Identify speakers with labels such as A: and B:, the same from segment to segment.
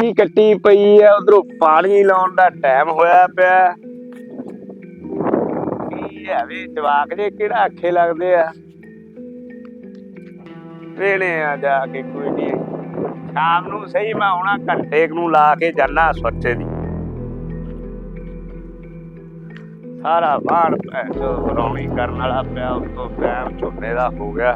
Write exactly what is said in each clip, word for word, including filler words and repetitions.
A: ਸਬਜ਼ੀ ਕੱਟੀ ਪਈ ਆ, ਉਧਰੋਂ ਪਾਣੀ ਲਾਉਣ ਦਾ ਟਾਈਮ ਹੋਇਆ ਪਿਆ। ਕੀ ਹੈ ਵੀ ਜਵਾਕ ਜੇ ਕਿਹੜਾ ਆਖੇ ਲੱਗਦੇ ਆ। ਵੇਲੇ ਆ ਜਾ ਕੇ ਕੋਈ ਨੀ, ਸ਼ਾਮ ਨੂੰ ਸਹੀ ਮੈਂ ਆਉਣਾ, ਘੰਟੇ ਨੂੰ ਲਾ ਕੇ ਜਾਣਾ ਸੋਚੇ ਦੀ। ਸਾਰਾ ਬਾਹਰ ਰੌਣੀ ਕਰਨ ਵਾਲਾ ਪਿਆ, ਉੱਤੋਂ ਟਾਈਮ ਝੋਨੇ ਦਾ ਹੋ ਗਿਆ।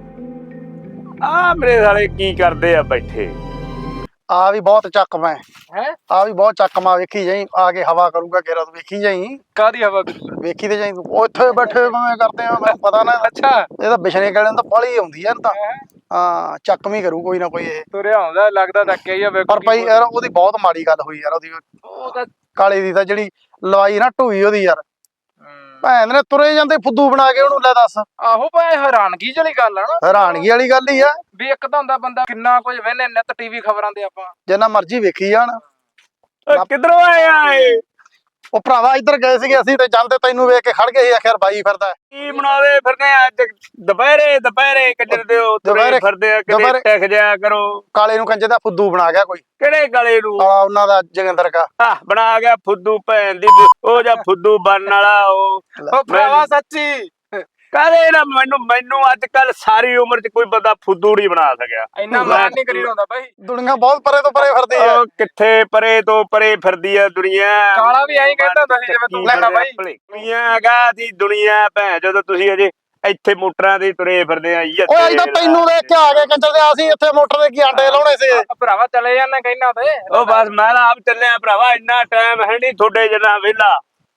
A: ਆ ਮੇਰੇ ਸਾਲੇ ਕੀ ਕਰਦੇ ਆ ਬੈਠੇ।
B: ਆ ਵੀ ਬਹੁਤ ਚੱਕਮਾ
C: ਹੈ,
B: ਆ ਵੀ ਬਹੁਤ ਚੱਕਮਾ। ਵੇਖੀ ਜਾਈ ਆ ਕੇ ਹਵਾ ਕਰੂਗਾ ਗੇਰਾ, ਤੂੰ ਵੇਖੀ ਜਾਈ।
C: ਕਾਦੀ ਹਵਾ?
B: ਵੇਖੀ ਤੇ ਜਾਈ ਤੂੰ, ਉੱਥੇ ਬੈਠੇ ਮੈਂ ਕਰਦੇ ਆ, ਮੈਨੂੰ ਪਤਾ ਨਾ।
C: ਅੱਛਾ,
B: ਇਹ ਤਾਂ ਬਿਸ਼ਨੇ ਗਲੇ ਨੂੰ ਤਾਂ ਪਾਲੀ ਆਉਂਦੀ ਆ ਤਾਂ। ਹਾਂ ਚੱਕਮੀ ਕਰੂ ਕੋਈ ਨਾ ਕੋਈ ਇਹ
C: ਤੁਰਿਆ ਆਉਂਦਾ, ਲੱਗਦਾ ਧੱਕਿਆ ਹੀ ਆ।
B: ਪਰ ਭਾਈ ਯਾਰ ਉਹਦੀ ਬਹੁਤ ਮਾੜੀ ਗੱਲ ਹੋਈ ਯਾਰ। ਉਹਦੀ
C: ਉਹ ਤਾਂ
B: ਕਾਲੇ ਦੀ ਤਾਂ ਜਿਹੜੀ ਲਵਾਈ ਨਾ ਢੂਈ ਉਹਦੀ ਯਾਰ, ਭੈਣ ਨੇ ਤੁਰੇ ਜਾਂਦੇ ਫੁੱਦੂ ਬਣਾ ਕੇ ਉਹਨੂੰ। ਲੈ ਦੱਸ,
C: ਆਹੋ ਭਾਈ ਹੈਰਾਨਗੀ ਵਾਲੀ ਗੱਲ ਆ ਨਾ।
B: ਹੈਰਾਨਗੀ ਵਾਲੀ ਗੱਲ ਹੀ ਆ
C: ਵੀ ਇੱਕ ਤਾਂ ਹੁੰਦਾ ਬੰਦਾ ਕਿੰਨਾ ਕੁਝ ਵੇਨੇ ਨਿੱਤ ਟੀਵੀ ਖਬਰਾਂ ਦੇ ਆਪਾਂ
B: ਜਿੰਨਾ ਮਰਜ਼ੀ ਵੇਖੀ ਜਾਣ।
A: ਕਿੱਧਰੋਂ ਆਇਆ ਏ?
B: ਉਹ ਭਰਾਵਾ ਇੱਧਰ ਗਏ ਸੀਗੇ ਅਸੀਂ ਤੇ ਜਾਂਦੇ ਤੈਨੂੰ ਵੇਖ ਕੇ ਖੜ ਗਏ ਸੀ, ਆਖਿਰ ਬਾਈ ਫਿਰਦਾ।
A: ਕੀ ਬਣਾਵੇ ਫਿਰਦੇ ਅੱਜ ਦੁਪਹਿਰੇ ਦੁਪਹਿਰੇ ਕੰਜਰ ਦਿਓ ਤੁਰੇ ਫਿਰਦੇ ਆ, ਕਿਤੇ ਟਿਕ ਜਾਇਆ ਕਰੋ।
B: ਕਾਲੇ ਨੂੰ ਕੰਜੇ ਦਾ ਫੁੱਦੂ ਬਣਾ ਗਿਆ ਕੋਈ।
A: ਕਿਹੜੇ ਕਾਲੇ ਨੂੰ?
B: ਕਾਲਾ ਉਹਨਾਂ ਦਾ ਜੋਗਿੰਦਰ ਕਾ।
A: ਆਹ ਬਣਾ ਗਿਆ ਫੁੱਦੂ ਭੈਣ ਦੀ। ਉਹ ਜਾਂ ਫੁੱਦੂ ਬਣਨ ਵਾਲਾ ਉਹ
C: ਉਹ ਭਰਾਵਾ ਸੱਚੀ
A: ਕਾਹਦੇ ਨਾ। ਮੈਨੂੰ ਮੈਨੂੰ ਅੱਜ ਕੱਲ ਸਾਰੀ ਉਮਰ ਚ ਕੋਈ ਬੰਦਾ ਫੁੱਦੂ ਨਹੀਂ ਬਣਾ ਸਕਿਆ।
C: ਇੰਨਾ ਮਾਨ ਨਹੀਂ ਕਰੀ ਹੁੰਦਾ ਬਾਈ।
B: ਦੁਨੀਆ ਬਹੁਤ ਪਰੇ ਤੋਂ ਪਰੇ ਫਿਰਦੀ ਆ।
A: ਉਹ ਕਿੱਥੇ ਪਰੇ ਤੋਂ ਪਰੇ ਫਿਰਦੀ ਆ ਦੁਨੀਆ।
C: ਕਾਲਾ ਵੀ ਐਂ ਕਹਿੰਦਾ ਹੁੰਦਾ ਸੀ ਜਿਵੇਂ ਤੂੰ ਕਹਿੰਦਾ ਬਾਈ।
A: ਦੁਨੀਆ ਹੈਗਾ ਦੀ ਦੁਨੀਆ ਭੈਣ, ਜਦੋਂ ਤੁਸੀਂ ਅਜੇ ਇੱਥੇ ਮੋਟਰਾਂ ਦੇ ਤੁਰੇ ਫਿਰਦੇ ਆ।
B: ਓਏ ਅੱਜ ਤਾਂ ਤੈਨੂੰ ਦੇਖ ਕੇ ਆ ਗਏ ਕੰਜਰ ਦੇ। ਅਸੀਂ ਇੱਥੇ ਮੋਟਰ ਦੇ ਕੀ ਆਂਡੇ ਲਾਉਣੇ ਸੀ।
C: ਭਰਾਵਾ ਚਲੇ ਜਾਂਦੇ ਕਹਿਣਾ ਤੇ।
A: ਉਹ ਬਸ ਮੈਂ ਤਾਂ ਆਪ ਚੱਲਿਆ ਭਰਾਵਾ, ਇੰਨਾ ਟਾਈਮ ਹੈ ਨਹੀਂ ਤੁਹਾਡੇ ਜਿੰਨਾ ਵਿਹਲਾ।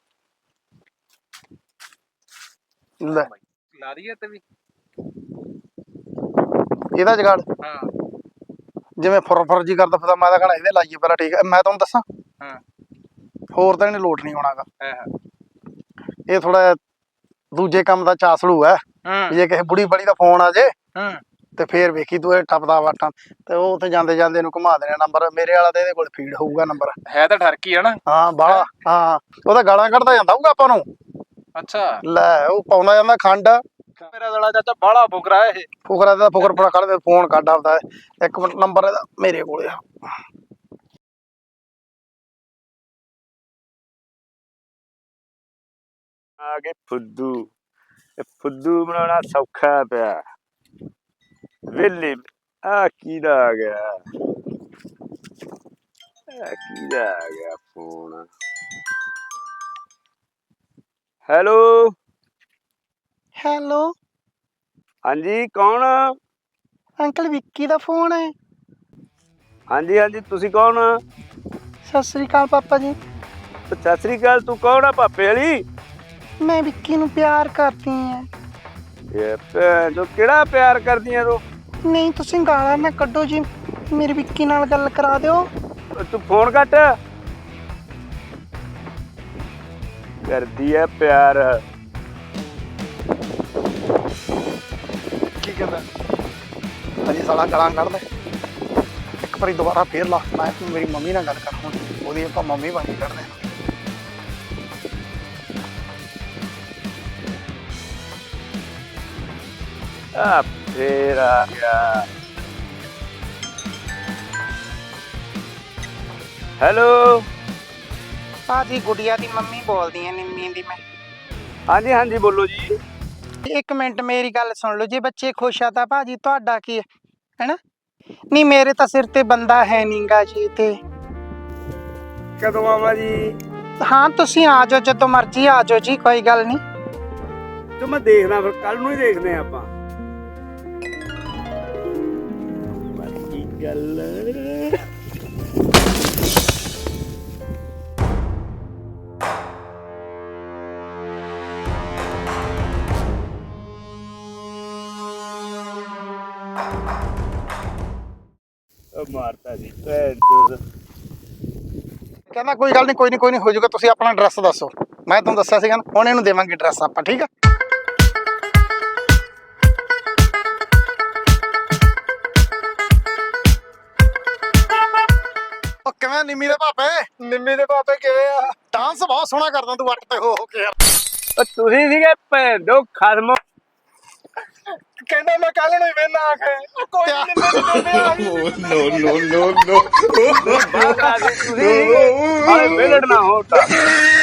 B: ਲੈ
C: ਲਾ ਦਈਏ ਤੇ ਵੀ
B: ਇਹਦਾ ਜਗਾੜ
C: ਹਾਂ,
B: ਜਿਵੇਂ ਫੁਰ ਫੁਰ ਜੀ ਕਰਦਾ ਫਿਰਦਾ। ਮੈਂ ਤਾਂ ਕਹਣਾ ਇਹਦੇ ਲਾਈਏ ਪਹਿਲਾਂ। ਠੀਕ ਹੈ, ਮੈਂ ਤੁਹਾਨੂੰ ਦੱਸਾਂ
C: ਹਾਂ,
B: ਹੋਰ ਤਾਂ ਇਹਨੇ ਲੋਟ ਨਹੀਂ ਹੋਣਾਗਾ।
C: ਹਾਂ,
B: ਇਹ ਥੋੜਾ ਦੂਜੇ ਕੰਮ ਦਾ ਚਾਸੜੂ ਹੈ। ਜੇ ਕਿਸੇ ਬੁੜੀ ਬੜੀ ਦਾ ਫੋਨ ਆ ਜੇ
C: ਹਾਂ,
B: ਤੇ ਫੇਰ ਵੇਖੀ ਤੂੰ ਇਹ ਟੱਪਦਾ ਵਾਟਾਂ ਤੇ ਉਹ ਉੱਥੇ ਜਾਂਦੇ ਜਾਂਦੇ ਇਹਨੂੰ ਘੁਮਾ ਦੇਣਾ ਨੰਬਰ। ਮੇਰੇ ਵਾਲਾ ਤੇ ਇਹਦੇ ਕੋਲ ਫੀਡ ਹੋਊਗਾ ਨੰਬਰ।
C: ਹੈ ਤਾਂ ਠਰਕੀ ਆ ਨਾ।
B: ਹਾਂ ਬਾਹਲਾ। ਹਾਂ ਉਹਦਾ ਗਾਲਾਂ ਕੱਢਦਾ ਜਾਂਦਾ ਹੋਊਗਾ ਆਪਾਂ ਨੂੰ।
C: ਅੱਛਾ,
B: ਲੈ ਉਹ ਪਾਉਂਦਾ ਜਾਂਦਾ ਖੰਡ।
C: ਮੇਰਾ ਦਲਾ ਚਾਚਾ ਬਾਹਲਾ ਫੁਕਰਾ ਇਹ।
B: ਫੁਕਰਾ ਦਾ ਫੁਕਰ ਬੜਾ ਕੱਢਦੇ। ਫੋਨ ਕੱਢ ਆਉਂਦਾ ਇੱਕ ਮਿੰਟ, ਨੰਬਰ ਇਹਦਾ ਮੇਰੇ ਕੋਲ ਆ।
A: ਆ ਗਏ ਫੁੱਦੂ। ਇਹ ਫੁੱਦੂ ਬਣਾਉਣਾ ਸੌਖਾ ਪਿਆ ਵੇਲੇ। ਆ ਕਿਹਦਾ ਆ ਗਿਆ? ਆ ਕਿਹਦਾ ਆ ਗਿਆ ਫੋਨ? ਹੈਲੋ
B: ਹੈਲੋ
A: ਹਾਂਜੀ, ਕੌਣ?
B: ਅੰਕਲ ਵਿੱਕੀ ਦਾ ਫੋਨ ਹੈ।
A: ਹਾਂਜੀ ਹਾਂਜੀ, ਤੁਸੀਂ ਕੌਣ?
B: ਸਤਿ ਸ੍ਰੀ ਅਕਾਲ ਪਾਪਾ ਜੀ।
A: ਸਤਿ ਸ੍ਰੀ ਅਕਾਲ। ਤੂੰ ਕੌਣ ਆ? ਭਾਪੇ ਵਾਲੀ?
B: ਮੈਂ ਵਿੱਕੀ ਨੂੰ ਪਿਆਰ ਕਰਦੀ ਆ।
A: ਇਹ ਭੈਣ ਚੋ ਕਿਹੜਾ ਪਿਆਰ ਕਰਦੀਆਂ ਤੂੰ?
B: ਨਹੀਂ ਤੁਸੀਂ ਗਾਲਾਂ ਨਾ ਕੱਢੋ ਜੀ, ਮੇਰੇ ਵਿੱਕੀ ਨਾਲ ਗੱਲ ਕਰਾ ਦਿਓ।
A: ਤੂੰ ਫੋਨ ਕੱਟ। ਕਰਦੀ ਐ ਪਿਆਰ।
B: ਕੀ ਕਹਿੰਦਾ? ਅਜੇ ਸਾਲਾ ਗਾਲਾਂ ਕੱਢਦਾ। ਇੱਕ ਵਾਰੀ ਦੁਬਾਰਾ ਫੇਰ ਲਾ। ਮੈਂ ਮੇਰੀ ਮੰਮੀ ਨਾਲ ਗੱਲ ਕਰ, ਹੁਣ ਉਹਦੀ ਆਪਾਂ ਮੰਮੀ ਬਣ ਕੇ ਕੱਢਦੇ ਹਾਂ।
A: ਆ ਫੇਰ ਆ ਗਿਆ। ਹੈਲੋ
D: ਭਾਜੀ ਗੁੜੀਆ ਦੀ ਮੰਮੀ ਬੋਲਦੀ ਆ, ਨਿੰਮੀ ਦੀ ਮੈਂ।
A: ਹਾਂਜੀ ਹਾਂਜੀ, ਬੋਲੋ ਜੀ।
D: ਇੱਕ ਮਿੰਟ ਮੇਰੀ ਗੱਲ ਸੁਣ ਲਓ। ਜੇ ਬੱਚੇ ਖੁਸ਼ ਆ ਤਾਂ ਭਾਜੀ ਤੁਹਾਡਾ ਕੀ ਹੈ, ਹੈਨਾ? ਨਹੀਂ ਮੇਰੇ ਤਾਂ ਸਿਰ ਤੇ ਬੰਦਾ ਹੈ ਨੀਗਾ ਜੀ। ਤੇ
A: ਕਦੋਂ ਆਵਾਂ ਜੀ?
D: ਹਾਂ ਤੁਸੀਂ ਆ ਜਾਓ, ਜਦੋਂ ਮਰਜ਼ੀ ਆ ਜਾਓ ਜੀ, ਕੋਈ ਗੱਲ ਨਹੀਂ।
A: ਤੇ ਮੈਂ ਦੇਖਦਾ, ਫਿਰ ਕੱਲ ਨੂੰ ਹੀ ਦੇਖਦੇ ਆ ਆਪਾਂ। ਬਾਕੀ ਗੱਲ ਮਾਰਤਾ ਜੀ ਭੈਣ ਚੋਦ।
B: ਕਹਿੰਦਾ ਕੋਈ ਗੱਲ ਨਹੀਂ, ਕੋਈ ਨਹੀਂ ਕੋਈ ਨਹੀਂ ਹੋ ਜਾਊਗਾ। ਤੁਸੀਂ ਆਪਣਾ ਐਡਰੈਸ ਦੱਸੋ। ਮੈਂ ਤੁਹਾਨੂੰ ਦੱਸਿਆ ਸੀਗਾ ਨਾ, ਹੁਣ ਇਹਨੂੰ ਦੇਵਾਂਗੇ ਐਡਰੈਸ ਆਪਾਂ। ਠੀਕ ਆ? ਉਹ ਕਿਵੇਂ ਨਿੰਮੀ ਦੇ ਭਾਪੇ?
C: ਨਿੰਮੀ ਦੇ ਪਾਪੇ ਕਿਵੇਂ ਆ?
B: ਡਾਂਸ ਬਹੁਤ ਸੋਹਣਾ ਕਰਦਾ ਤੂੰ ਵੱਟ ਤੇ ਹੋ ਹੋ ਕੇ ਯਾਰ।
A: ਤੁਸੀਂ ਸੀਗੇ ਭੈਣ ਦੋ ਖਸਮ।
B: ਕਹਿੰਦਾ ਮੈਂ ਕੱਲ ਨੂੰ ਹੀ ਵੇਨਾ ਆ ਕੇ ਉਹ ਕੋਈ ਨਹੀਂ ਦਿੰਦੇ ਆ
A: ਬਾਹਰ ਆ ਕੇ ਤੁਸੀਂ ਹਾਲੇ ਵਿਹਲੜ ਨਾ ਹੋ ਤਾਂ